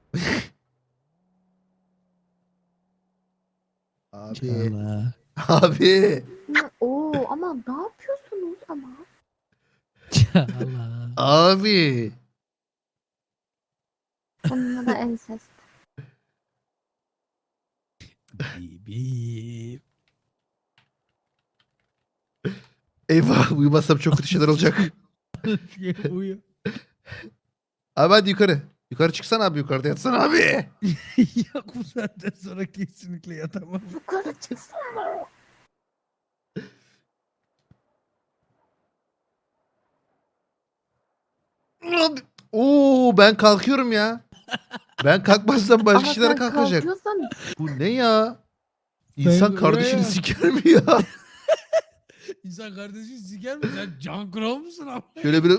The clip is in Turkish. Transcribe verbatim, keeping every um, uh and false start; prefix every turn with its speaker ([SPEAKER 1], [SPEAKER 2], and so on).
[SPEAKER 1] Abi.
[SPEAKER 2] Çağla.
[SPEAKER 1] Abi.
[SPEAKER 3] Ya, Oo ama ne yapıyorsunuz ama?
[SPEAKER 2] Çağla.
[SPEAKER 1] Abi.
[SPEAKER 3] Bununla da ensest.
[SPEAKER 2] Bibi.
[SPEAKER 1] Eyvah uyumazsam çok kötü şeyler olacak.
[SPEAKER 2] Uyu.
[SPEAKER 1] Abi hadi yukarı. Yukarı çıksana abi, yukarıda yatsana abi.
[SPEAKER 2] Yok, bu saatten sonra kesinlikle yatamam.
[SPEAKER 3] Yukarı çıksana.
[SPEAKER 1] Abi. Oo ben kalkıyorum ya. Ben kalkmazsam başka
[SPEAKER 3] Ama
[SPEAKER 1] kişiler
[SPEAKER 3] sen
[SPEAKER 1] kalkacak.
[SPEAKER 3] kalkıyorsan
[SPEAKER 1] Bu ne ya? İnsan
[SPEAKER 2] Ben-
[SPEAKER 1] kardeşini
[SPEAKER 2] ya.
[SPEAKER 1] siker mi ya?
[SPEAKER 2] İnsan kardeşi siker mi? Sen can kral mısın abi?
[SPEAKER 1] Şöyle bir